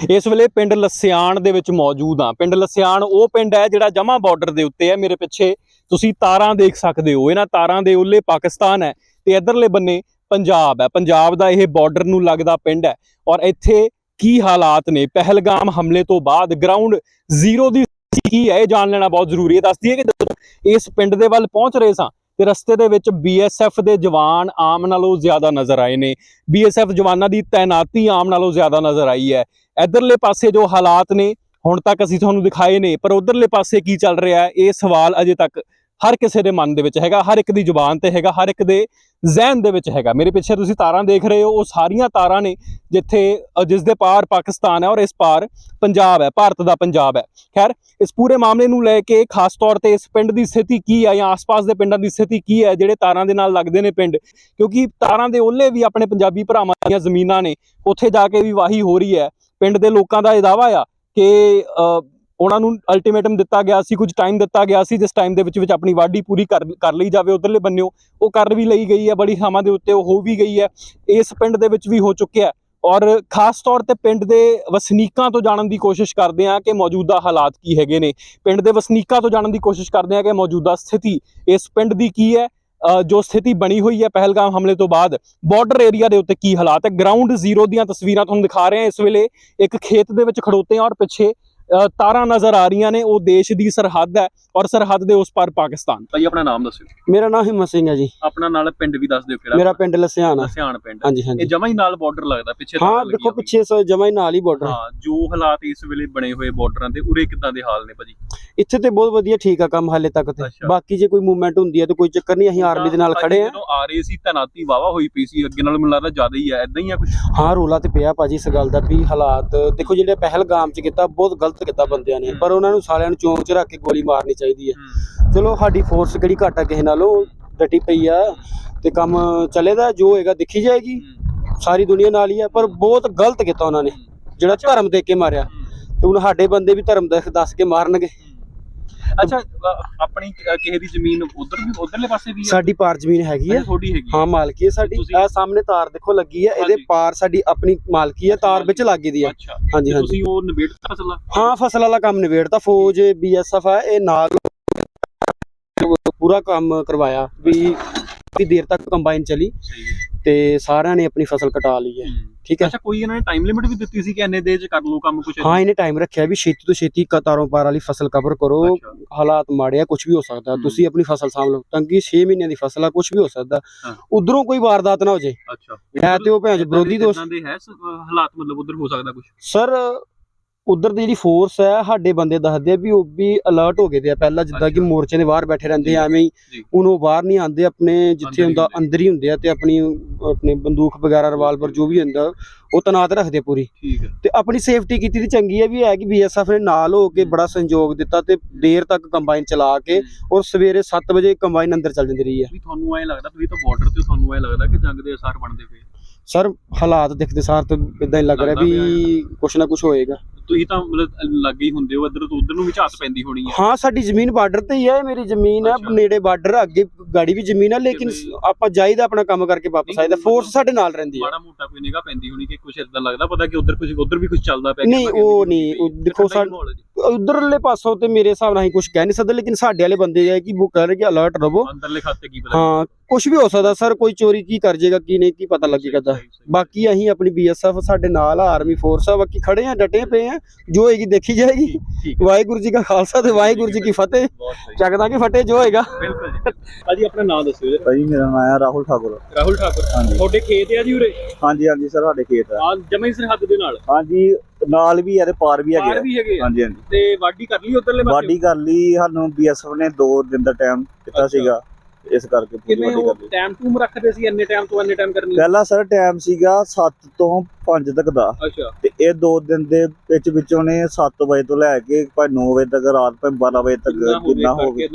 ਇਸ ਵੇਲੇ ਪਿੰਡ ਲਸਿਆਣ ਦੇ ਵਿੱਚ ਮੌਜੂਦ ਹਾਂ। ਪਿੰਡ ਲਸਿਆਣ ਉਹ ਪਿੰਡ ਹੈ ਜਿਹੜਾ ਜਮਾਂ ਬਾਰਡਰ ਦੇ ਉੱਤੇ ਹੈ। ਮੇਰੇ ਪਿੱਛੇ ਤੁਸੀਂ ਤਾਰਾਂ ਦੇਖ ਸਕਦੇ ਹੋ। ਇਹਨਾਂ ਤਾਰਾਂ ਦੇ ਉੱਲੇ ਪਾਕਿਸਤਾਨ ਹੈ ਤੇ ਇਧਰਲੇ ਬੰਨੇ ਪੰਜਾਬ ਹੈ। ਪੰਜਾਬ ਦਾ ਇਹ ਬਾਰਡਰ ਨੂੰ ਲੱਗਦਾ ਪਿੰਡ ਹੈ ਔਰ ਇੱਥੇ ਕੀ ਹਾਲਾਤ ਨੇ ਪਹਿਲਗਾਮ ਹਮਲੇ ਤੋਂ ਬਾਅਦ ਗਰਾਊਂਡ ਜ਼ੀਰੋ ਦੀ ਕੀ ਹੈ ਇਹ ਜਾਣ ਲੈਣਾ ਬਹੁਤ ਜ਼ਰੂਰੀ ਹੈ। ਦੱਸ ਦਈਏ ਕਿ ਜਦੋਂ ਇਸ ਪਿੰਡ ਦੇ ਵੱਲ ਪਹੁੰਚ ਰਹੇ ਸਾਂ ਤੇ ਰਸਤੇ ਦੇ ਵਿੱਚ BSF ਦੇ ਜਵਾਨ ਆਮ ਨਾਲੋਂ ਜ਼ਿਆਦਾ ਨਜ਼ਰ ਆਏ ਨੇ। BSF ਜਵਾਨਾਂ ਦੀ ਤੈਨਾਤੀ ਆਮ ਨਾਲੋਂ ਜ਼ਿਆਦਾ ਨਜ਼ਰ ਆਈ ਹੈ। ਇਧਰਲੇ ਪਾਸੇ ਜੋ ਹਾਲਾਤ ਨੇ ਹੁਣ ਤੱਕ ਅਸੀਂ ਤੁਹਾਨੂੰ ਦਿਖਾਏ ਨੇ, ਪਰ ਉਧਰਲੇ ਪਾਸੇ ਕੀ ਚੱਲ ਰਿਹਾ ਇਹ ਸਵਾਲ ਅਜੇ ਤੱਕ ਹਰ ਕਿਸੇ ਦੇ ਮਨ ਦੇ ਵਿੱਚ ਹੈਗਾ, ਹਰ ਇੱਕ ਦੀ ਜ਼ੁਬਾਨ ਤੇ ਹੈਗਾ, ਹਰ ਇੱਕ ਦੇ ਜ਼ਹਿਨ ਦੇ ਵਿੱਚ ਹੈਗਾ। ਮੇਰੇ ਪਿੱਛੇ ਤੁਸੀਂ ਤਾਰਾਂ ਦੇਖ ਰਹੇ ਹੋ, ਉਹ ਸਾਰੀਆਂ ਤਾਰਾਂ ਨੇ ਜਿਸ ਦੇ ਪਾਰ ਪਾਕਿਸਤਾਨ ਹੈ ਔਰ ਇਸ ਪਾਰ ਪੰਜਾਬ ਹੈ, ਭਾਰਤ ਦਾ ਪੰਜਾਬ ਹੈ। ਖੈਰ, ਇਸ ਪੂਰੇ ਮਾਮਲੇ ਨੂੰ ਲੈ ਕੇ ਖਾਸ ਤੌਰ ਤੇ ਇਸ ਪਿੰਡ ਦੀ ਸਥਿਤੀ ਕੀ ਹੈ ਜਾਂ ਆਸ-ਪਾਸ ਦੇ ਪਿੰਡਾਂ ਦੀ ਸਥਿਤੀ ਕੀ ਹੈ ਜਿਹੜੇ ਤਾਰਾਂ ਦੇ ਨਾਲ ਲੱਗਦੇ ਨੇ ਪਿੰਡ, ਕਿਉਂਕਿ ਤਾਰਾਂ ਦੇ ਓਲੇ ਵੀ ਆਪਣੇ ਪੰਜਾਬੀ ਭਰਾਵਾਂ ਦੀਆਂ ਜ਼ਮੀਨਾਂ ਨੇ, ਉੱਥੇ ਜਾ ਕੇ ਵੀ ਵਾਹੀ ਹੋ ਰਹੀ ਹੈ। ਪਿੰਡ ਦੇ ਲੋਕਾਂ ਦਾ ਇਹ ਦਾਅਵਾ ਆ ਕਿ ਉਹਨਾਂ ਨੂੰ ਅਲਟੀਮੇਟਮ ਦਿੱਤਾ ਗਿਆ ਸੀ, ਕੁਝ ਟਾਈਮ ਦਿੱਤਾ ਗਿਆ ਸੀ, ਜਿਸ ਟਾਈਮ ਦੇ ਵਿੱਚ ਆਪਣੀ ਵਾਢੀ ਪੂਰੀ ਕਰ ਲਈ ਜਾਵੇ। ਉਧਰਲੇ ਬੰਨਿਓ ਉਹ ਕਰ ਵੀ ਲਈ ਗਈ ਹੈ, ਬੜੀ ਥਾਵਾਂ ਦੇ ਉੱਤੇ ਉਹ ਹੋ ਵੀ ਗਈ ਹੈ। ਇਸ ਪਿੰਡ ਦੇ ਵਿੱਚ ਵੀ ਹੋ ਚੁੱਕਿਆ ਔਰ ਖਾਸ ਤੌਰ ਤੇ ਪਿੰਡ ਦੇ ਵਸਨੀਕਾਂ ਤੋਂ ਜਾਣਨ ਦੀ ਕੋਸ਼ਿਸ਼ ਕਰਦੇ ਹਾਂ ਕਿ ਮੌਜੂਦਾ ਹਾਲਾਤ ਕੀ ਹੈਗੇ ਨੇ। ਪਿੰਡ ਦੇ ਵਸਨੀਕਾਂ ਤੋਂ ਜਾਣਨ ਦੀ ਕੋਸ਼ਿਸ਼ ਕਰਦੇ ਹਾਂ ਕਿ ਮੌਜੂਦਾ ਸਥਿਤੀ ਇਸ ਪਿੰਡ ਦੀ ਕੀ ਹੈ, ਜੋ ਸਥਿਤੀ ਬਣੀ ਹੋਈ ਹੈ ਪਹਿਲਗਾਮ ਹਮਲੇ ਤੋਂ ਬਾਅਦ ਬਾਰਡਰ ਏਰੀਆ ਦੇ ਉੱਤੇ ਕੀ ਹਾਲਾਤ ਹੈ। ਗਰਾਊਂਡ ਜ਼ੀਰੋ ਦੀਆਂ ਤਸਵੀਰਾਂ ਤੁਹਾਨੂੰ ਦਿਖਾ ਰਹੇ ਹਾਂ। ਇਸ ਵੇਲੇ ਇੱਕ ਖੇਤ ਦੇ ਵਿੱਚ ਖੜੋਤੇ ਹਾਂ ਔਰ ਪਿੱਛੇ ਤਾਰਾਂ ਨਜ਼ਰ ਆ ਰਹੀਆਂ ਨੇ। ਉਹ ਦੇਸ਼ ਦੀ ਸਰਹੱਦ ਹੈ ਔਰ ਸਰਹੱਦ ਦੇ ਉਸ ਪਾਰ ਪਾਕਿਸਤਾਨ। ਭਾਈ ਆਪਣਾ ਨਾਮ ਦੱਸਿਓ। ਮੇਰਾ ਨਾਮ ਹਿੰਮਤ ਸਿੰਘ ਹੈ ਜੀ। ਆਪਣਾ ਨਾਲ ਪਿੰਡ ਵੀ ਦੱਸ ਦਿਓ ਕਿਹੜਾ। ਮੇਰਾ ਪਿੰਡ ਲਸਿਆਣ ਆ। ਲਸਿਆਣ ਪਿੰਡ। ਹਾਂਜੀ ਹਾਂਜੀ। ਇਹ ਜਮਾਂ ਹੀ ਨਾਲ ਬਾਰਡਰ ਲੱਗਦਾ ਪਿੱਛੇ। ਹਾਂ ਦੇਖੋ ਪਿੱਛੇ ਜਮਾਂ ਹੀ ਨਾਲ ਹੀ ਬਾਰਡਰ। ਹਾਂ, ਜੋ ਹਾਲਾਤ ਇਸ ਵੇਲੇ ਬਣੇ ਹੋਏ ਬਾਰਡਰਾਂ ਦੇ ਉਰੇ ਕਿੱਦਾਂ ਦੇ ਹਾਲ ਨੇ ਭਾਜੀ? ਇੱਥੇ ਤੇ ਬਹੁਤ ਵਧੀਆ ਠੀਕ ਆ ਕੰਮ ਹਾਲੇ ਤੱਕ ਤੇ। ਬਾਕੀ ਜੇ ਕੋਈ ਮੂਵਮੈਂਟ ਹੁੰਦੀ ਹੈ ਤਾਂ ਕੋਈ ਚੱਕਰ ਨਹੀਂ, ਅਸੀਂ ਆਰਮੀ ਦੇ ਨਾਲ ਖੜੇ ਆ। ਜਦੋਂ ਆ ਰਹੇ ਸੀ ਤੈਨਾਤੀ ਵਾਵਾ ਹੋਈ ਪਈ ਸੀ, ਅੱਗੇ ਨਾਲ ਮੈਨੂੰ ਲੱਗਦਾ ਜ਼ਿਆਦਾ ਹੀ ਹੈ, ਇਦਾਂ ਹੀ ਆ ਕੁਝ? ਹਾਂ ਰੋਲਾ ਤੇ ਪਿਆ ਭਾਜੀ ਇਸ ਗੱਲ ਦਾ ਵੀ ਹਾਲਾਤ ਦੇਖੋ ਜਿਹੜੇ ਪਹਿਲਗਾਮ ਚ ਕੀਤਾ ਬਹੁਤ ਗਲਤ ਕੀਤਾ ਬੰਦਿਆਂ ਨੇ, ਪਰ ਉਹਨਾਂ ਨੂੰ ਸਾਲਿਆਂ ਨੂੰ ਚੌਂਕ ਚ ਰੱਖ ਕੇ ਗੋਲੀ ਮਾਰਨੀ ਚਾਹੀਦੀ ਹੈ। ਚਲੋ ਸਾਡੀ ਫੋਰਸ ਕਿਹੜੀ ਘੱਟ ਆ ਕਿਸੇ ਨਾਲੋਂ, ਡਟੀ ਪਈ ਆ ਤੇ ਕੰਮ ਚੱਲੇਦਾ, ਜੋ ਹੋਏਗਾ ਦੇਖੀ ਜਾਏਗੀ। ਸਾਰੀ ਦੁਨੀਆ ਨਾਲ ਹੀ ਆ, ਪਰ ਬਹੁਤ ਗਲਤ ਕੀਤਾ ਉਹਨਾਂ ਨੇ ਜਿਹੜਾ ਧਰਮ ਦੇ ਕੇ ਮਾਰਿਆ। ਤੇ ਹੁਣ ਸਾਡੇ ਬੰਦੇ ਵੀ ਧਰਮ ਦੱਸ ਕੇ ਮਾਰਨਗੇ। ਅੱਛਾ, ਆਪਣੀ ਕਿਸੇ ਦੀ ਜ਼ਮੀਨ ਉਧਰ ਵੀ ਉਧਰਲੇ ਪਾਸੇ ਵੀ ਹੈ? ਸਾਡੀ ਪਾਰ ਜ਼ਮੀਨ ਹੈਗੀ ਆ, ਥੋੜੀ ਹੈਗੀ। ਹਾਂ ਮਾਲਕੀ ਹੈ ਸਾਡੀ। ਇਹ ਸਾਹਮਣੇ ਤਾਰ ਦੇਖੋ ਲੱਗੀ ਹੈ, ਇਹਦੇ ਪਾਰ ਸਾਡੀ ਆਪਣੀ ਮਾਲਕੀ ਹੈ, ਤਾਰ ਵਿੱਚ ਲੱਗੀ ਦੀ ਆ। ਹਾਂਜੀ ਹਾਂਜੀ। ਤੁਸੀਂ ਉਹ ਨਿਬੇੜਤਾ ਫਸਲ? ਹਾਂ ਫਸਲ ਵਾਲਾ ਕੰਮ ਨਿਬੇੜਤਾ। ਫੌਜ BSF ਹੈ ਇਹ ਨਾਲ ਪੂਰਾ ਕੰਮ ਕਰਵਾਇਆ ਵੀ ਦੇਰ ਤੱਕ ਕੰਬਾਈਨ ਚਲੀ ਤੇ ਸਾਰਿਆਂ ਨੇ ਆਪਣੀ ਫਸਲ ਕਟਾ ਲਈ ਹੈ। ਠੀਕ ਹੈ। ਅੱਛਾ, ਕੋਈ ਇਹਨਾਂ ਨੇ ਟਾਈਮ ਲਿਮਿਟ ਵੀ ਦਿੱਤੀ ਸੀ ਕਿ ਇੰਨੇ ਦੇਰ ਚ ਕਰ ਲਓ ਕੰਮ ਕੁਝ? ਹਾਂ ਇਹਨੇ ਟਾਈਮ ਰੱਖਿਆ ਵੀ ਛੇਤੀ ਤੋਂ ਛੇਤੀ ਤਾਰੋਂ ਪਾਰ ਵਾਲੀ ਫਸਲ ਕਵਰ ਕਰੋ। ਹਾਲਾਤ ਮਾੜੇ ਆ, ਕੁਝ ਵੀ ਹੋ ਸਕਦਾ, ਤੁਸੀਂ ਆਪਣੀ ਫਸਲ ਸਾਂਭ ਲਓ। ਤੰਗੀ 6 ਮਹੀਨਿਆਂ ਦੀ ਫਸਲ ਆ, ਕੁਝ ਵੀ ਹੋ ਸਕਦਾ, ਉਧਰੋਂ ਕੋਈ ਵਾਰਦਾਤ ਨਾ ਹੋ ਜੇ। ਅੱਛਾ, ਹੈ ਤੇ ਉਹ ਭੈਣ ਵਿਰੋਧੀ ਦੋਸਤ ਦੇ ਹੈ ਹਾਲਾਤ, ਮਤਲਬ ਉਧਰ ਹੋ ਸਕਦਾ ਕੁਝ? ਸਰ ਉਧਰ ਦੀ ਜਿਹੜੀ ਫੋਰਸ ਹੈ ਸਾਡੇ ਬੰਦੇ ਦੱਸਦੇ ਆ ਵੀ ਉਹ ਵੀ ਅਲਰਟ ਹੋ ਗਏ ਦੇ ਆ ਪਹਿਲਾਂ, ਜਿੱਦਾਂ ਕਿ ਮੋਰਚੇ ਦੇ ਬਾਹਰ ਬੈਠੇ ਰਹਿੰਦੇ ਆ ਐਵੇਂ ਹੀ। ਹੁਣ ਉਹ ਬਾਹਰ ਨਹੀਂ ਆਉਂਦੇ, ਆਪਣੇ ਜਿੱਥੇ ਹੁੰਦਾ ਅੰਦਰ ਹੀ ਹੁੰਦੇ ਆ ਤੇ ਆਪਣੀ ਬੰਦੂਕ ਵਗੈਰਾ ਰਿਵਾਲਵਰ ਜੋ ਵੀ ਹੁੰਦਾ ਉਹ ਤੈਨਾਤ ਰੱਖਦੇ ਪੂਰੀ। ਠੀਕ ਹੈ। ਤੇ ਆਪਣੀ ਸੇਫਟੀ ਕੀਤੀ ਤੇ ਚੰਗੀ ਹੈ ਵੀ ਹੈ ਕਿ BSF ਨੇ ਨਾਲ ਹੋ ਕੇ ਬੜਾ ਸੰਯੋਗ ਦਿੱਤਾ ਤੇ ਦੇਰ ਤੱਕ ਕੰਬਾਈਨ ਚਲਾ ਕੇ ਔਰ ਸਵੇਰੇ 7 ਵਜੇ ਕੰਬਾਈਨ ਅੰਦਰ ਚੱਲ ਜਾਂਦੀ ਰਹੀ ਹੈ। ਤੁਹਾਨੂੰ ਐ ਲੱਗਦਾ ਤੁਸੀਂ ਤਾਂ ਬਾਰਡਰ ਤੇ, ਤੁਹਾਨੂੰ ਐ ਲੱਗਦਾ ਕਿ ਜੰਗ ਦੇ ਅਸਰ ਬਣਦੇ ਪਏ? ਸਰ ਹਾਲਾਤ ਦੇਖਦੇ ਸਾਰ ਤਾਂ ਇਦਾਂ ਹੀ ਲੱਗ ਰਿਹਾ ਵੀ ਕੁਛ ਨਾ ਕੁਛ ਹੋਏਗਾ। ਤੁਸੀਂ ਤਾਂ ਮਤਲਬ ਲੱਗੇ ਹੀ ਹੁੰਦੇ ਹੋ, ਇੱਧਰ ਤੋਂ ਉੱਧਰ ਨੂੰ ਵੀ ਝਾਤ ਪੈਂਦੀ ਹੋਣੀ ਹੈ। ਹਾਂ ਸਾਡੀ ਜ਼ਮੀਨ ਬਾਰਡਰ ਤੇ ਹੀ ਹੈ, ਮੇਰੀ ਜ਼ਮੀਨ ਹੈ ਨੇੜੇ ਬਾਰਡਰ, ਅੱਗੇ ਗਾੜੀ ਵੀ ਜ਼ਮੀਨ ਹੈ, ਲੇਕਿਨ ਆਪਾਂ ਜਾਈਦਾ ਆਪਣਾ ਕੰਮ ਕਰਕੇ ਵਾਪਸ ਆਈਦਾ। ਫੋਰਸ ਸਾਡੇ ਨਾਲ ਰਹਿੰਦੀ ਹੈ। ਮਾੜਾ ਮੋਟਾ ਕੋਈ ਨਿਗਾਹ ਪੈਂਦੀ ਹੋਣੀ ਕਿ ਕੁਝ ਇਦਾਂ ਲੱਗਦਾ ਪਤਾ ਕਿ ਉੱਧਰ ਵੀ ਕੁਝ ਚੱਲਦਾ ਪਿਆ? ਨਹੀਂ ਉਹ ਨਹੀਂ, ਦੇਖੋ ਉਧਰਲੇ ਪਾਸੋਂ ਤੇ ਮੇਰੇ ਹਿਸਾਬ ਨਾਲ ਅਸੀਂ ਕੁਝ ਕਹਿ ਨਹੀਂ ਸਕਦੇ, ਲੇਕਿਨ ਸਾਡੇ ਵਾਲੇ ਬੰਦੇ ਹੈ ਕਿ ਉਹ ਕਹਿ ਰਹੇ ਕਿ ਅਲਰਟ ਰਹੋ। ਅੰਦਰਲੇ ਖਾਤੇ ਕੀ ਪਤਾ? ਹਾਂ ਕੁਝ ਵੀ ਹੋ ਸਕਦਾ ਸਰ, ਕੋਈ ਚੋਰੀ ਕੀ ਕਰ ਜਾਏਗਾ ਕੀ ਨਹੀਂ ਕੀ ਪਤਾ ਲੱਗੇਗਾ। ਬਾਕੀ ਅਸੀਂ ਆਪਣੀ BSF ਸਾਡੇ ਨਾਲ ਆ, ਆਰਮੀ ਫੋਰਸ ਆ, ਬਾਕੀ ਖੜੇ ਆ, ਡਟੇ ਪਏ ਆ, ਜੋ ਹੋਏਗੀ ਦੇਖੀ ਜਾਏਗੀ। ਵਾਹਿਗੁਰੂ ਜੀ ਕਾ ਖਾਲਸਾ ਤੇ ਵਾਹਿਗੁਰੂ ਜੀ ਕੀ ਫਤਿਹ। ਚੱਕਦਾ ਕਿ ਫਤਿਹ ਜੋ ਹੋਏਗਾ। ਬਿਲਕੁਲ ਜੀ। ਭਾਜੀ ਆਪਣਾ ਨਾਮ ਦੱਸਿਓ ਜੀ। ਭਾਜੀ ਮੇਰਾ ਨਾਮ ਹੈ ਰਾਹੁਲ ਠਾਕੁਰ। ਰਾਹੁਲ ਠਾਕੁਰ। ਹਾਂਜੀ। ਤੁਹਾਡੇ ਖੇਤ ਆ ਜੀ ਉਰੇ? ਹਾਂਜੀ ਹਾਂਜੀ ਸਰ, ਸਾਡੇ ਖੇਤ ਆ। ਜਮਈ ਸਰਹੱਦ ਦੇ ਨਾਲ? ਹਾਂਜੀ ਨਾਲ ਵੀ ਆ ਤੇ ਪਾਰ ਵੀ ਹੈਗੇ। ਹਾਂਜੀ ਹਾਂਜੀ। ਤੇ ਵਾਢੀ ਕਰ ਲਈ ਉਧਰਲੇ ਪਾਸੇ? ਵਾਢੀ ਕਰ ਲਈ, ਸਾਨੂੰ BSF ਨੇ 2 ਦਿਨ ਦਾ ਟਾਈਮ ਦਿੱਤਾ ਸੀਗਾ, ਇਸ ਕਰਕੇ ਪੂਰੀ ਵਾਢੀ ਕਰ ਲਈ। ਟਾਈਮ ਟੂਮ ਰੱਖਦੇ ਸੀ ਇੰਨੇ ਟਾਈਮ ਤੋਂ ਇੰਨੇ ਟਾਈਮ ਕਰਨੀ? ਪਹਿਲਾਂ ਸਰ ਟਾਈਮ ਸੀਗਾ 7 ਤੋਂ 5 ਤੱਕ ਦਾ। ਅੱਛਾ। ਤੇ ਇਹ 2 ਦਿਨ ਦੇ ਵਿੱਚ ਉਹਨੇ 7 ਵਜੇ ਤੋਂ ਲੈ ਕੇ ਭਾਵੇਂ 9 ਵਜੇ ਤੱਕ, ਰਾਤ ਭਾਵੇਂ 12 ਵਜੇ ਤੱਕ ਜਿੰਨਾ ਹੋ ਗਿਆ।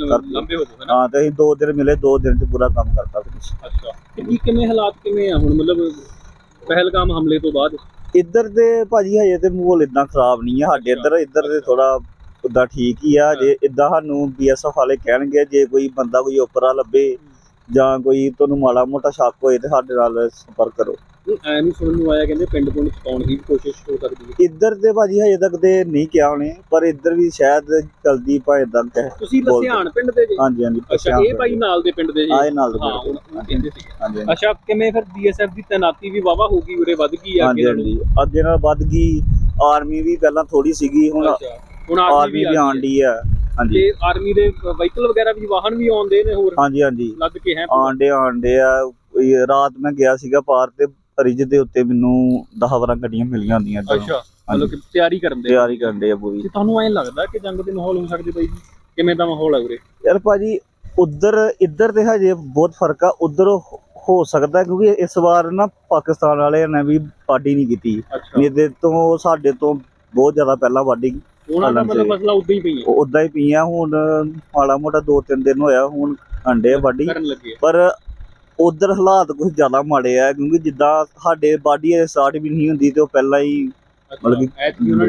ਹਾਂ ਤੇ ਅਸੀਂ 2 ਦਿਨ ਮਿਲੇ, 2 ਦਿਨ ਚ ਪੂਰਾ ਕੰਮ ਕਰਤਾ ਫਿਰ। ਅੱਛਾ, ਤੇ ਕਿਵੇਂ ਹਾਲਾਤ ਕਿਵੇਂ ਆ ਹੁਣ, ਮਤਲਬ ਪਹਿਲਗਾਮ ਹਮਲੇ ਤੋਂ ਬਾਅਦ? ਇੱਧਰ ਦੇ ਭਾਜੀ ਹਜੇ ਤੇ ਮਾਹੌਲ ਇਦਾਂ ਖਰਾਬ ਨਹੀਂ ਆ ਸਾਡੇ ਇੱਧਰ ਦੇ ਥੋੜਾ ਉਦਾਂ ਠੀਕ ਹੀ ਆ। ਜੇ ਇਦਾਂ ਸਾਨੂੰ BSF ਵਾਲੇ ਕਹਿਣਗੇ ਜੇ ਕੋਈ ਬੰਦਾ ਕੋਈ ਓਪਰਾ ਲੱਭੇ ਜਾਂ ਕੋਈ ਤੁਹਾਨੂੰ ਮਾੜਾ ਮੋਟਾ ਸ਼ੱਕ ਹੋਏ ਤੇ ਸਾਡੇ ਨਾਲ ਸੰਪਰਕ ਕਰੋ। ਐ ਨਹੀਂ ਸੁਣਨ ਨੂੰ ਆਇਆ ਕਹਿੰਦੇ ਪਿੰਡ ਪੁੰਡ ਚਕਾਉਣ ਦੀ ਕੋਸ਼ਿਸ਼ ਹੋ ਸਕਦੀ ਹੈ। ਇੱਧਰ ਤੇ ਭਾਜੀ ਹਜੇ ਤੱਕ ਤੇ ਨਹੀਂ ਕਿਹਾ ਉਹਨੇ, ਪਰ ਇੱਧਰ ਵੀ ਸ਼ਾਇਦ ਚਲਦੀ ਭਾਵੇਂ ਤੱਕ ਹੈ। ਤੁਸੀਂ ਲਸਿਆਣ ਪਿੰਡ ਦੇ ਜੀ? ਹਾਂਜੀ ਹਾਂਜੀ। ਅੱਛਾ, ਇਹ ਭਾਈ ਨਾਲ ਦੇ ਪਿੰਡ ਦੇ ਜੀ? ਆਏ ਨਾਲ ਦੇ ਹਾਂ, ਪਿੰਡ ਉਹ ਕਹਿੰਦੇ ਸੀ। ਹਾਂਜੀ ਅੱਛਾ, ਕਿਵੇਂ ਫਿਰ ਬੀਐਸਐਫ ਦੀ ਤੈਨਾਤੀ ਵੀ ਵਾਵਾ ਹੋ ਗਈ ਉਰੇ, ਵੱਧ ਗਈ ਆ ਅੱਗੇ ਨਾਲੋਂ? ਹਾਂਜੀ। ਅੱਗੇ ਨਾਲ ਵੱਧ ਗਈ। ਆਰਮੀ ਵੀ ਪਹਿਲਾਂ ਥੋੜੀ ਸੀਗੀ, ਹੁਣ ਹੁਣ ਆਰਮੀ ਵੀ ਆਉਣ ਡਈ ਆ। ਹਾਂਜੀ, ਤੇ ਆਰਮੀ ਦੇ ਵਹੀਕਲ ਵਗੈਰਾ ਵੀ, ਵਾਹਨ ਵੀ ਆਉਂਦੇ ਨੇ ਹੋਰ ਹਾਂਜੀ ਹਾਂਜੀ ਲੱਦ ਕੇ? ਹੈ ਆਂਡੇ ਆ। ਰਾਤ ਮੈਂ ਗਿਆ ਸੀਗਾ ਪਾਰ ਤੇ ਰਿਜ ਦੇ ਉੱਤੇ ਮੈਨੂੰ 10-12 ਗੱਡੀਆਂ ਮਿਲੀਆਂ ਹੁੰਦੀਆਂ। ਅੱਛਾ, ਮਤਲਬ ਕਿ ਤਿਆਰੀ ਕਰਨ ਦੇ ਆ ਪੂਰੀ। ਤੇ ਤੁਹਾਨੂੰ ਐਂ ਲੱਗਦਾ ਕਿ ਜੰਗ ਦੇ ਮਾਹੌਲ ਹੋ ਸਕਦੇ ਬਾਈ ਜੀ? ਕਿਵੇਂ ਦਾ ਮਾਹੌਲ ਹੈ ਉਰੇ? ਯਾਰ ਭਾਜੀ ਇੱਧਰ ਤੇ ਹਜੇ ਬਹੁਤ ਫਰਕ ਆ। ਉੱਧਰ ਹੋ ਸਕਦਾ ਕਿਉਂਕਿ ਇਸ ਵਾਰ ਨਾ ਪਾਕਿਸਤਾਨ ਵਾਲਿਆਂ ਨੇ ਵੀ ਵਾਢੀ ਨਹੀਂ ਕੀਤੀ। ਇਹਦੇ ਤੋਂ ਸਾਡੇ ਤੋਂ ਬਹੁਤ ਜ਼ਿਆਦਾ ਪਹਿਲਾਂ ਵਾਢੀ ਉਹਨਾਂ ਦਾ ਮਤਲਬ ਮਸਲਾ ਉਦਾਂ ਹੀ ਪਈ ਹੈ? ਉਦਾਂ ਹੀ ਪਈਆਂ। ਹੁਣ ਮਾੜਾ ਮੋਟਾ 2-3 ਦਿਨ ਹੋਇਆ, ਹੁਣ ਅੰਡੇ ਵਾਢੀ ਕਰਨ ਲੱਗੇ। ਪਰ ਉਧਰ ਹਾਲਾਤ ਕੁਝ ਜ਼ਿਆਦਾ ਮਾੜੇ ਆ, ਕਿਉਂਕਿ ਜਿੱਦਾਂ ਸਾਡੇ ਵਾਢੀ ਸਟਾਰਟ ਵੀ ਨਹੀਂ ਹੁੰਦੀ ਤੇ ਉਹ ਪਹਿਲਾਂ ਹੀ ਮਤਲਬ ਕਿ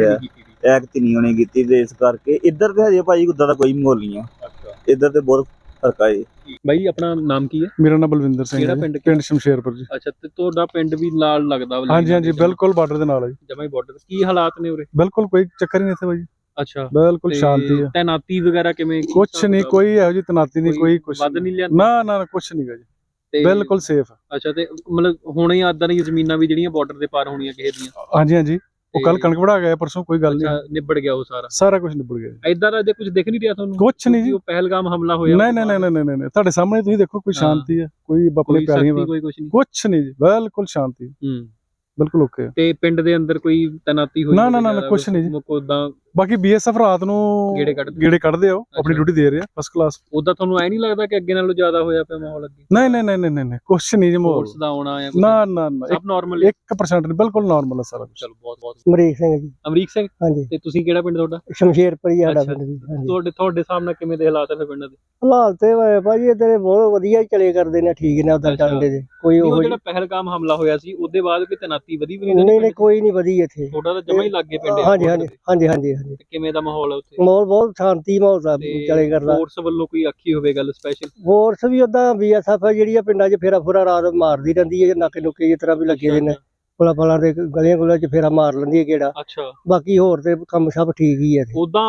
ਐਕਟ ਨਹੀਂ ਉਹਨੇ ਕੀਤੀ, ਤੇ ਇਸ ਕਰਕੇ ਇੱਧਰ ਤੇ ਹਜੇ ਭਾਈ ਉਦਾਂ ਦਾ ਕੋਈ ਮਾਹੌਲ ਨਹੀਂ ਆ। ਇੱਧਰ ਤੇ ਬਹੁਤ ਫਰਕ ਆ ਜੀ। ਬਾਈ ਆਪਣਾ ਨਾਮ ਕੀ ਹੈ? ਮੇਰਾ ਨਾਮ ਬਲਵਿੰਦਰ ਸਿੰਘ ਕਿਹੜਾ ਹੈ, ਪਿੰਡ? ਪਿੰਡ ਸ਼ਮਸ਼ੇਰਪੁਰ ਜੀ। ਅੱਛਾ, ਤੇ ਤੁਹਾਡਾ ਪਿੰਡ ਵੀ ਨਾਲ ਲੱਗਦਾ? ਹਾਂਜੀ ਹਾਂਜੀ, ਬਿਲਕੁਲ ਬਾਰਡਰ ਦੇ ਨਾਲ ਹੈ ਜੀ। ਜਮਾਂ ਹੀ ਬਾਰਡਰ। ਕੀ ਹਾਲਾਤ ਨੇ ਉਰੇ? ਬਿਲਕੁਲ ਕੋਈ ਚੱਕਰ ਹੀ ਨਹੀਂ ਇੱਥੇ ਭਾਈ। ਅੱਛਾ, ਬਿਲਕੁਲ ਸ਼ਾਂਤੀ ਹੈ। ਤੈਨਾਤੀ ਵਗੈਰਾ ਕਿਵੇਂ? ਕੁਛ ਨਹੀਂ, ਕੋਈ ਇਹੋ ਜਿਹੀ ਤੈਨਾਤੀ ਨਹੀਂ, ਕੋਈ ਕੁਛ ਵੱਧ ਨਹੀਂ ਲਿਆ? ਨਾ ਨਾ, ਕੁਛ ਨਹੀਂ ਗਾ ਜੀ, ਬਿਲਕੁਲ ਸੇਫ। ਅੱਛਾ, ਤੇ ਮਤਲਬ ਹੁਣੇ ਆਦਾਂ ਦੀਆਂ ਜ਼ਮੀਨਾਂ ਵੀ ਜਿਹੜੀਆਂ ਬਾਰਡਰ ਦੇ ਪਾਰ ਹੋਣੀਆਂ ਕਿਸੇ ਦੀਆਂ? ਹਾਂਜੀ ਹਾਂਜੀ, ਉਹ ਕੱਲ ਕਣਕ ਵੜਾ ਗਿਆ ਪਰਸੋਂ, ਕੋਈ ਗੱਲ ਨਹੀਂ, ਨਿਬੜ ਗਿਆ ਉਹ ਸਾਰਾ ਕੁਝ ਨਿਬੜ ਗਿਆ। ਇਦਾਂ ਦਾ ਕੁਝ ਦਿਖ ਨਹੀਂ ਰਿਹਾ ਤੁਹਾਨੂੰ? ਕੁਛ ਨਹੀਂ ਜੀ, ਉਹ ਪਹਿਲਗਾਮ ਹਮਲਾ ਹੋਇਆ? ਨਹੀਂ ਨਹੀਂ ਨਹੀਂ ਨਹੀਂ ਨਹੀਂ, ਤੁਹਾਡੇ ਸਾਹਮਣੇ ਤੁਸੀਂ ਦੇਖੋ, ਕੋਈ ਸ਼ਾਂਤੀ ਹੈ, ਕੋਈ ਆਪਣੇ ਪਿਆਰੀਆਂ, ਕੋਈ ਕੁਛ ਨਹੀਂ, ਕੁਛ ਨਹੀਂ ਜੀ, ਬਿਲਕੁਲ ਸ਼ਾਂਤੀ, ਬਿਲਕੁਲ ਓਕੇ। ਤੇ ਪਿੰਡ ਦੇ ਅੰਦਰ ਕੋਈ ਤੈਨਾਤੀ ਹੋਈ? ਨਾ ਨਾ ਨਾ, ਕੁਛ ਨਹੀਂ ਜੀ। ਉਦਾਂ ਬਾਕੀ ਬੀਐਸਐਫ ਰਾਤ ਨੂੰ ਗੇੜੇ ਕੱਢਦੇ ਆ, ਆਪਣੀ ਡਿਊਟੀ ਦੇ ਰਹੇ ਆ ਫਸਟ ਕਲਾਸ। ਉਦਾਂ ਤੁਹਾਨੂੰ ਐ ਨਹੀਂ ਲੱਗਦਾ ਕਿ ਅੱਗੇ ਨਾਲੋਂ ਜ਼ਿਆਦਾ ਹੋਇਆ ਪਿਆ ਮਾਹੌਲ ਅੱਗੇ? ਨਹੀਂ ਨਹੀਂ ਨਹੀਂ ਨਹੀਂ ਨਹੀਂ, ਕੁਛ ਨਹੀਂ ਜੀ ਮਾਹੌਲ ਫੋਰਸ ਦਾ ਆਉਣਾ ਆ? ਨਾ ਨਾ ਨਾ, ਸਭ ਨਾਰਮਲ 1% ਨਹੀਂ, ਬਿਲਕੁਲ ਨਾਰਮਲ ਹੈ ਸਾਰਾ ਕੁਝ। ਚਲੋ, ਬਹੁਤ ਬਹੁਤ। ਅਮਰੀਕ ਸਿੰਘ ਜੀ। ਅਮਰੀਕ ਸਿੰਘ? ਹਾਂਜੀ। ਤੇ ਤੁਸੀਂ ਕਿਹੜਾ ਪਿੰਡ ਤੁਹਾਡਾ? ਸ਼ਮਸ਼ੇਰਪੁਰ ਹੀ ਸਾਡਾ ਪਿੰਡ ਜੀ। ਤੁਹਾਡੇ ਸਾਹਮਣੇ ਕਿਵੇਂ ਦੇ ਹਾਲਾਤ ਹੈ ਫਿਰ ਪਿੰਡ ਦੇ? ਹਾਲਾਤ ਤੇ ਭਾਜੀ ਇੱਧਰ ਬਹੁਤ ਵਧੀਆ ਚਲੇ ਕਰਦੇ ਨੇ, ਠੀਕ ਨੇ ਉਦਾਂ ਚੱਲਦੇ ਨੇ, ਕੋਈ ਉਹ ਜਿਹੜਾ ਪਹਿਲਗਾਮ ਹਮਲਾ ਹੋਇਆ ਸੀ ਉਹਦੇ ਬਾਅਦ ਕੋਈ ਤੈਨਾਤੀ ਵਧੀ ਵੀ ਨਹੀਂ? ਨਹੀਂ ਕੋਈ ਨਹੀਂ ਵਧੀ ਇੱਥੇ। ਤੁਹਾਡਾ ਤਾਂ ਜਮਾ ਹੀ ਲੱਗੇ ਪਿੰਡ? ਹਾਂਜੀ ਹਾਂਜੀ ਹਾਂਜੀ ਹਾਂਜੀ ਹਾਂਜੀ। ਕਿਵੇਂ ਦਾ ਮਾਹੌਲ ਹੈ ਉੱਥੇ? ਮਾਹੌਲ ਬਹੁਤ ਸ਼ਾਂਤੀ ਮਾਹੌਲ ਦਾ ਚਲੇ ਕਰਦਾ। ਫੋਰਸ ਵੱਲੋਂ ਕੋਈ ਆਖੀ ਹੋਵੇ ਗੱਲ ਸਪੈਸ਼ਲ? ਫੋਰਸ ਵੀ ਉਦਾਂ ਬੀਐਸਐਫ ਜਿਹੜੀ ਆ ਪਿੰਡਾਂ 'ਚ ਫੇਰਾ ਫੁਰਾ ਰਾਤ ਮਾਰਦੀ ਰਹਿੰਦੀ ਹੈ, ਨਾਕੇ ਨੁਕੇ ਜਿਸ ਤਰ੍ਹਾਂ ਵੀ ਲੱਗੇ ਦੇ ਨੇ, ਪੁਲਾਂ ਤੇ ਗਲੀਆਂ ਗੁਲੀਆਂ 'ਚ ਫੇਰਾ ਮਾਰ ਲੈਂਦੀ ਹੈ ਕਿਹੜਾ। ਅੱਛਾ, ਬਾਕੀ ਹੋਰ ਤੇ ਕੰਮ ਸਭ ਠੀਕ ਹੀ ਹੈ। ਉਦਾਂ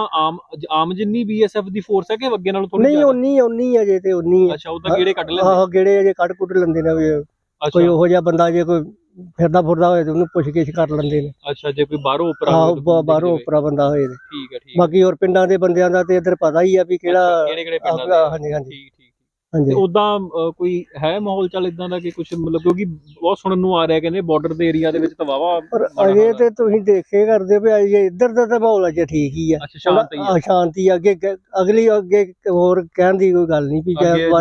ਆਮ ਜਿੰਨੀ ਬੀਐਸਐਫ ਦੀ ਫੋਰਸ ਹੈ ਕਿ ਅੱਗੇ ਨਾਲੋਂ ਥੋੜੀ? ਨਹੀਂ, ਉਨੀ ਅਜੇ ਤੇ ਉਨੀ ਹੈ। ਅੱਛਾ, ਉਦਾਂ ਗੇੜੇ ਕੱਢ ਲੈਂਦੇ? ਆਹੋ, ਗੇੜੇ ਅਜੇ ਕੱਢ ਕੁੱਟ ਲੈਂਦੇ ਨੇ। ਕੋਈ ਉਹੋ ਜਿਹਾ ਬੰਦਾ ਜੇ ਕੋਈ ਫਿਰਦਾ ਫੁਰਦਾ ਹੋਏ ਤੇ ਉਹਨੂੰ ਪੁੱਛ-ਗਿੱਛ ਕਰ ਲੈਂਦੇ ਨੇ। ਅੱਛਾ, ਜੇ ਕੋਈ ਬਾਹਰੋਂ ਉਪਰਾ ਬਾਹਰੋਂ ਉਪਰਾ ਬੰਦਾ ਹੋਏ ਤੇ ਠੀਕ ਹੈ, ਠੀਕ। ਬਾਕੀ ਹੋਰ ਪਿੰਡਾਂ ਦੇ ਬੰਦਿਆਂ ਦਾ ਤੇ ਇੱਧਰ ਪਤਾ ਹੀ ਆ ਵੀ ਕਿਹੜਾ ਕਿਹੜੇ ਪਿੰਡਾਂ ਦਾ। ਹਾਂਜੀ ਹਾਂਜੀ ਠੀਕ ਠੀਕ। ਤੇ ਉਦਾਂ ਕੋਈ ਹੈ ਮਾਹੌਲ ਚੱਲ ਇਦਾਂ ਦਾ ਕਿ ਕੁਝ ਮਤਲਬ, ਕਿਉਂਕਿ ਬਹੁਤ ਸੁਣਨ ਨੂੰ ਆ ਰਿਹਾ ਕਹਿੰਦੇ ਬਾਰਡਰ ਦੇ ਏਰੀਆ ਦੇ ਵਿੱਚ ਤਾਂ ਵਾਵਾ। ਪਰ ਅਜੇ ਤੇ ਤੁਸੀਂ ਦੇਖੇ ਕਰਦੇ ਵੀ ਅਜੇ ਇੱਧਰ ਦਾ ਤਾਂ ਮਾਹੌਲ ਅਜੇ ਠੀਕ ਹੀ ਆ। ਅੱਛਾ, ਸ਼ਾਂਤੀ ਆ। ਅੱਗੇ ਹੋਰ ਕਹਿਣ ਦੀ ਕੋਈ ਗੱਲ ਨਹੀਂ ਵੀ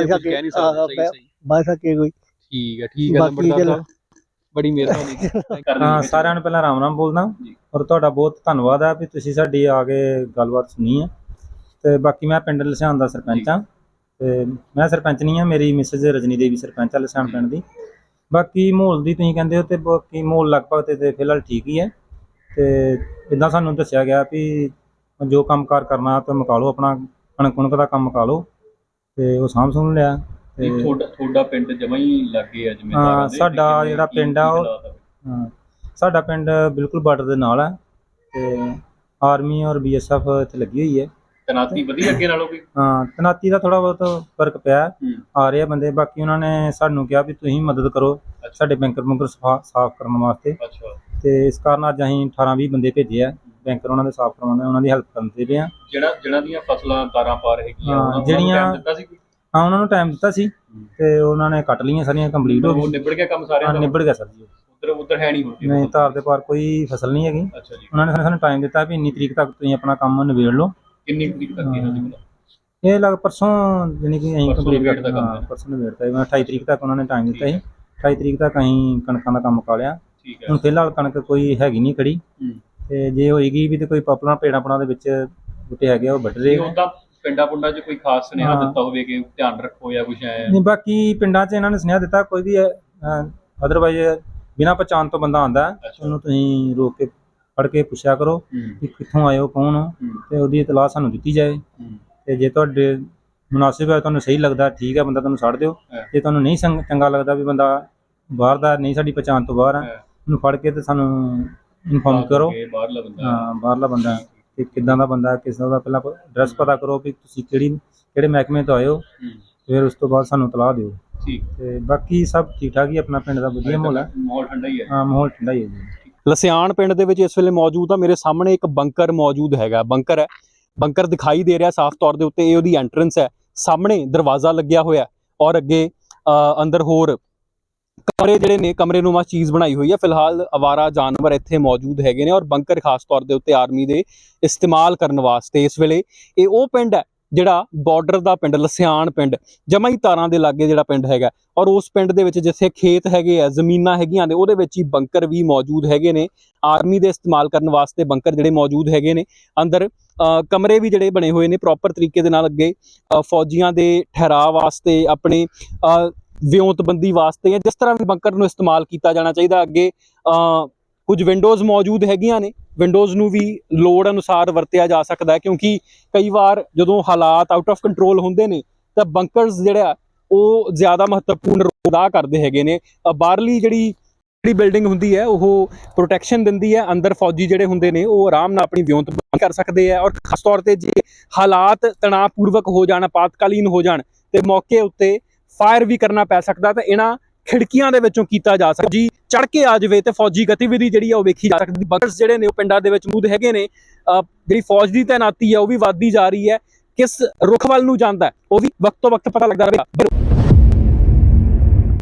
ਬਸ ਅੱਗੇ ਕੋਈ। ਠੀਕ ਹੈ, ਠੀਕ ਹੈ ਨੰਬਰਦਾਰ ਸਾਹਿਬ, ਬੜੀ ਮਿਹਰਬਾਨੀ। ਹਾਂ, ਸਾਰਿਆਂ ਨੂੰ ਪਹਿਲਾਂ ਰਾਮ ਬੋਲਦਾ ਔਰ ਤੁਹਾਡਾ ਬਹੁਤ ਧੰਨਵਾਦ ਹੈ ਵੀ ਤੁਸੀਂ ਸਾਡੀ ਆ ਕੇ ਗੱਲਬਾਤ ਸੁਣੀ ਹੈ। ਤੇ ਬਾਕੀ ਮੈਂ ਪਿੰਡ ਲਸਿਆਣ ਦਾ ਸਰਪੰਚ ਹਾਂ, ਤੇ ਮੈਂ ਸਰਪੰਚ ਨਹੀਂ ਹਾਂ, ਮੇਰੀ ਮਿਸਿਸ ਰਜਨੀ ਦੇਵੀ ਸਰਪੰਚ ਆ ਲਸਿਆਣ ਪਿੰਡ ਦੀ। ਬਾਕੀ ਮਾਹੌਲ ਦੀ ਤੁਸੀਂ ਕਹਿੰਦੇ ਹੋ ਤੇ ਬਾਕੀ ਮਾਹੌਲ ਲਗਭਗ ਤੇ ਫਿਲਹਾਲ ਠੀਕ ਹੀ ਹੈ। ਤੇ ਇੱਦਾਂ ਸਾਨੂੰ ਦੱਸਿਆ ਗਿਆ ਵੀ ਜੋ ਕੰਮਕਾਰ ਕਰਨਾ ਤਾਂ ਮੁਕਾ ਲਓ, ਆਪਣਾ ਕਣਕ ਦਾ ਕੰਮ ਮੁਕਾ ਲਓ, ਤੇ ਉਹ ਸਾਂਭ ਸੁਣ ਲਿਆ। ਤੁਹਾਡਾ ਪਿੰਡ ਜਮਾ ਹੀ ਲੱਗੇ ਆ ਜਿਵੇਂ? ਹਾਂ, ਸਾਡਾ ਜਿਹੜਾ ਪਿੰਡ ਆ ਉਹ, ਹਾਂ ਸਾਡਾ ਪਿੰਡ ਬਿਲਕੁਲ ਬਾਰਡਰ ਦੇ ਨਾਲ ਹੈ, ਤੇ ਆਰਮੀ ਔਰ ਬੀਐਸਐਫ ਇੱਥੇ ਲੱਗੀ ਹੋਈ ਹੈ। ਤੈਨਾਤੀ ਵਧੀਆ ਅੱਗੇ ਨਾਲੋਂ ਕੋਈ? ਹਾਂ, ਤੈਨਾਤੀ ਦਾ ਥੋੜਾ ਬਹੁਤ ਫਰਕ ਪਿਆ, ਆ ਰਹੇ ਆ ਬੰਦੇ। ਬਾਕੀ ਉਹਨਾਂ ਨੇ ਸਾਨੂੰ ਕਿਹਾ ਵੀ ਤੁਸੀਂ ਮਦਦ ਕਰੋ ਸਾਡੇ ਬੈਂਕਰ ਬੁੰਕਰ ਸਾਫ਼ ਕਰਨ ਵਾਸਤੇ। ਤੇ ਇਸ ਕਾਰਨ ਅੱਜ ਅਸੀਂ 18-20 ਬੰਦੇ ਭੇਜੇ ਆ ਬੈਂਕਰ ਉਹਨਾਂ ਦੇ ਸਾਫ਼ ਕਰਵਾਉਣੇ, ਉਹਨਾਂ ਦੀ ਹੈਲਪ ਕਰਨ ਦੇ ਪਏ ਆ। ਜਿਹਨਾਂ ਦੀਆਂ ਫਸਲਾਂ ਤਾਰਾਂ ਪਾਰ ਹੈਗੀਆਂ, ਜਿਹੜੀਆਂ ਹਾਂ ਉਹਨਾਂ ਨੂੰ ਟਾਈਮ ਦਿੱਤਾ ਸੀ ਤੇ ਉਹਨਾਂ ਨੇ ਕੱਟ ਲਈਆਂ ਸਾਰੀਆਂ, ਕੰਪਲੀਟ ਹੋ ਗਈ। ਨਿਬੜ ਗਿਆ ਕੰਮ ਸਾਰਿਆਂ ਦਾ? ਨਿਬੜ ਗਿਆ ਸਰ ਜੀ। ਉਧਰ ਹੈ ਨਹੀਂ? ਨਹੀਂ, ਤਾਰ ਦੇ ਪਾਰ ਕੋਈ ਫਸਲ ਨਹੀਂ ਹੈਗੀ। ਅੱਛਾ ਜੀ। ਉਹਨਾਂ ਨੇ ਸਾਨੂੰ ਟਾਈਮ ਦਿੱਤਾ ਵੀ ਇੰਨੀ ਤਰੀਕ ਤੱਕ ਤੁਸੀਂ ਆਪਣਾ ਕੰਮ ਨਿਬੇੜ ਲਓ। ਕਿੰਨੀ ਤਰੀਕ ਤੱਕ? ਇਹ ਲੱਗ ਪਰਸੋਂ ਜਾਨੀ ਕਿ ਅਸੀਂ ਕੰਪਲੀਟ ਕਰਤਾ। ਹਾਂ, ਪਰਸੋਂ ਨਿਬੇੜਤਾ। 28 ਤਰੀਕ ਤੱਕ ਉਹਨਾਂ ਨੇ ਟਾਈਮ ਦਿੱਤਾ ਸੀ। 28 ਤਰੀਕ ਤੱਕ ਅਸੀਂ ਕਣਕਾਂ ਦਾ ਕੰਮ ਮੁਕਾ ਲਿਆ। ਹੁਣ ਫਿਲਹਾਲ ਕਣਕ ਕੋਈ ਹੈਗੀ ਨਹੀਂ ਖੜੀ, ਤੇ ਜੇ ਹੋਏਗੀ ਵੀ ਤੇ ਕੋਈ ਪਾਪਲਾਂ ਪੇੜਾਂ ਦੇ ਵਿੱਚ ਬੂਟੇ ਹੈਗੇ ਉਹ ਵੱਢ ਰਹੇ। ਉਹਦਾ ਪਿੰਡਾਂ ਪੁੰਡਾਂ 'ਚ ਕੋਈ ਖਾਸ ਸੁਨੇਹਾ ਦਿੱਤਾ ਹੋਵੇ ਕਿ ਧਿਆਨ ਰੱਖੋ ਜਾਂ ਕੁਝ ਐ? ਨਹੀਂ, ਬਾਕੀ ਪਿੰਡਾਂ 'ਚ ਇਹਨਾਂ ਨੇ ਸੁਨੇਹਾ ਦਿੱਤਾ ਕੋਈ ਵੀ ਅਦਰਵਾਈਜ਼ ਬਿਨਾਂ ਪਛਾਣ ਤੋਂ ਬੰਦਾ ਆਉਂਦਾ ਉਹਨੂੰ ਤੁਸੀਂ ਰੋਕ ਕੇ ਫੜ ਕੇ ਪੁੱਛਿਆ ਕਰੋ ਕਿ ਕਿੱਥੋਂ ਆਏ ਹੋ, ਕੌਣ ਹੋ, ਤੇ ਉਹਦੀ ਇਤਲਾਹ ਸਾਨੂੰ ਦਿੱਤੀ ਜਾਏ। ਤੇ ਜੇ ਤੁਹਾਡੇ ਮੁਨਾਸਿਬ ਹੈ, ਤੁਹਾਨੂੰ ਸਹੀ ਲੱਗਦਾ ਠੀਕ ਹੈ, ਬੰਦਾ ਤੁਹਾਨੂੰ ਛੱਡ ਦਿਓ। ਜੇ ਤੁਹਾਨੂੰ ਨਹੀਂ ਚੰਗਾ ਲੱਗਦਾ ਵੀ ਬੰਦਾ ਬਾਹਰ ਦਾ ਨਹੀਂ, ਸਾਡੀ ਪਛਾਣ ਤੋਂ ਬਾਹਰ ਆ, ਉਹਨੂੰ ਫੜ ਕੇ ਤੇ ਸਾਨੂੰ ਇਨਫੋਰਮ ਕਰੋ। ਬਾਹਰਲਾ ਬੰਦਾ ਹਾਂ, ਬਾਹਰਲਾ ਬੰਦਾ ਕਿ ਕਿੱਦਾਂ ਦਾ ਬੰਦਾ, ਕਿਸ ਤਰ੍ਹਾਂ ਦਾ, ਪਹਿਲਾਂ ਐਡਰੈਸ ਪਤਾ ਕਰੋ ਵੀ ਤੁਸੀਂ ਕਿਹੜੇ ਮਹਿਕਮੇ ਤੋਂ ਆਏ ਹੋ, ਫਿਰ ਉਸ ਤੋਂ ਬਾਅਦ ਸਾਨੂੰ ਇਤਲਾਹ ਦਿਓ। ਠੀਕ। ਤੇ ਬਾਕੀ ਸਭ ਠੀਕ ਠਾਕ ਹੀ, ਆਪਣਾ ਪਿੰਡ ਦਾ ਵਧੀਆ ਮਾਹੌਲ ਹੈ। ਮਾਹੌਲ ਠੰਡਾ ਹੀ ਹੈ। ਹਾਂ, ਮਾਹੌਲ ਠੰਡਾ ਹੀ ਹੈ ਜੀ। ਲਸਿਆਣ ਪਿੰਡ ਦੇ ਵਿੱਚ ਇਸ ਵੇਲੇ ਮੌਜੂਦ ਆ, ਮੇਰੇ ਸਾਹਮਣੇ ਇੱਕ ਬੰਕਰ ਮੌਜੂਦ ਹੈਗਾ। ਬੰਕਰ ਹੈ, ਬੰਕਰ ਦਿਖਾਈ ਦੇ ਰਿਹਾ ਸਾਫ਼ ਤੌਰ ਦੇ ਉੱਤੇ, ਇਹ ਉਹਦੀ ਐਂਟਰੈਂਸ ਹੈ। ਸਾਹਮਣੇ ਦਰਵਾਜ਼ਾ ਲੱਗਿਆ ਹੋਇਆ ਔਰ ਅੱਗੇ ਅੰਦਰ ਹੋਰ ਕਮਰੇ ਜਿਹੜੇ ਨੇ, ਕਮਰੇ ਨੂੰਮਾ ਚੀਜ਼ ਬਣਾਈ ਹੋਈ ਹੈ। ਫਿਲਹਾਲ ਅਵਾਰਾ ਜਾਨਵਰ ਇੱਥੇ ਮੌਜੂਦ ਹੈਗੇ ਨੇ ਔਰ ਬੰਕਰ ਖਾਸ ਤੌਰ ਦੇ ਉੱਤੇ ਆਰਮੀ ਦੇ ਇਸਤੇਮਾਲ ਕਰਨ ਵਾਸਤੇ। ਇਸ ਵੇਲੇ ਇਹ ਉਹ ਪਿੰਡ ਹੈ ਜਿਹੜਾ ਬਾਰਡਰ ਦਾ ਪਿੰਡ, ਲਸਿਆਣ ਪਿੰਡ, ਜਮਾਂ ਹੀ ਤਾਰਾਂ ਦੇ ਲਾਗੇ ਜਿਹੜਾ ਪਿੰਡ ਹੈਗਾ। ਔਰ ਉਸ ਪਿੰਡ ਦੇ ਵਿੱਚ ਜਿੱਥੇ ਖੇਤ ਹੈਗੇ ਆ, ਜ਼ਮੀਨਾਂ ਹੈਗੀਆਂ ਨੇ, ਉਹਦੇ ਵਿੱਚ ਹੀ ਬੰਕਰ ਵੀ ਮੌਜੂਦ ਹੈਗੇ ਨੇ। ਆਰਮੀ ਦੇ ਇਸਤੇਮਾਲ ਕਰਨ ਵਾਸਤੇ ਬੰਕਰ ਜਿਹੜੇ ਮੌਜੂਦ ਹੈਗੇ ਨੇ। ਅੰਦਰ ਕਮਰੇ ਵੀ ਜਿਹੜੇ ਬਣੇ ਹੋਏ ਨੇ ਪ੍ਰੋਪਰ ਤਰੀਕੇ ਦੇ ਨਾਲ, ਅੱਗੇ ਫੌਜੀਆਂ ਦੇ ਠਹਿਰਾਅ ਵਾਸਤੇ, ਆਪਣੇ ਵਿਉਂਤਬੰਦੀ ਵਾਸਤੇ, ਜਾਂ ਜਿਸ ਤਰ੍ਹਾਂ ਵੀ ਬੰਕਰ ਨੂੰ ਇਸਤੇਮਾਲ ਕੀਤਾ ਜਾਣਾ ਚਾਹੀਦਾ। ਅੱਗੇ ਕੁਝ ਵਿੰਡੋਜ਼ ਮੌਜੂਦ ਹੈਗੀਆਂ ਨੇ, ਵਿੰਡੋਜ਼ ਨੂੰ ਵੀ ਲੋੜ ਅਨੁਸਾਰ ਵਰਤਿਆ ਜਾ ਸਕਦਾ ਹੈ, ਕਿਉਂਕਿ ਕਈ ਵਾਰ ਜਦੋਂ ਹਾਲਾਤ ਆਊਟ ਆਫ ਕੰਟਰੋਲ ਹੁੰਦੇ ਨੇ ਤਾਂ ਬੰਕਰਸ ਜਿਹੜਾ ਉਹ ਜ਼ਿਆਦਾ ਮਹੱਤਵਪੂਰਨ ਰੋਲ ਅਦਾ ਕਰਦੇ ਹੈਗੇ ਨੇ। ਬਾਹਰਲੀ ਜਿਹੜੀ ਬਿਲਡਿੰਗ ਹੁੰਦੀ ਹੈ ਉਹ ਪ੍ਰੋਟੈਕਸ਼ਨ ਦਿੰਦੀ ਹੈ, ਅੰਦਰ ਫੌਜੀ ਜਿਹੜੇ ਹੁੰਦੇ ਨੇ ਉਹ ਆਰਾਮ ਨਾਲ ਆਪਣੀ ਵਿਉਂਤਬੰਦੀ ਕਰ ਸਕਦੇ ਆ। ਔਰ ਖਾਸ ਤੌਰ ਤੇ ਜੇ ਹਾਲਾਤ ਤਣਾਅਪੂਰਵਕ ਹੋ ਜਾਣ, ਆਪਾਤਕਾਲੀਨ ਹੋ ਜਾਣ, ਤੇ ਮੌਕੇ ਉੱਤੇ ਫਾਇਰ ਵੀ ਕਰਨਾ ਪੈ ਸਕਦਾ, ਤਾਂ ਇਹਨਾਂ ਖਿੜਕੀਆਂ ਦੇ ਵਿੱਚੋਂ ਕੀਤਾ ਜਾ ਸਕਦਾ। ਜੀ ਚੜ ਕੇ ਆ ਜਾਵੇ ਤੇ ਫੌਜੀ ਗਤੀਵਿਧੀ ਜਿਹੜੀ ਆ ਉਹ ਵੇਖੀ ਜਾ ਸਕਦੀ। ਬੰਕਰਸ ਜਿਹੜੇ ਨੇ ਉਹ ਪਿੰਡਾਂ ਦੇ ਵਿੱਚ ਮੌਜੂਦ ਹੈਗੇ ਨੇ। ਜਿਹੜੀ ਫੌਜ ਦੀ ਤੈਨਾਤੀ ਹੈ ਉਹ ਵੀ ਵੱਧਦੀ ਜਾ ਰਹੀ ਹੈ। ਕਿਸ ਰੁਖ ਵੱਲ ਨੂੰ ਜਾਂਦਾ ਉਹ ਵੀ ਵਕਤ ਤੋਂ ਵਕਤ ਪਤਾ ਲੱਗਦਾ ਰਹੇਗਾ।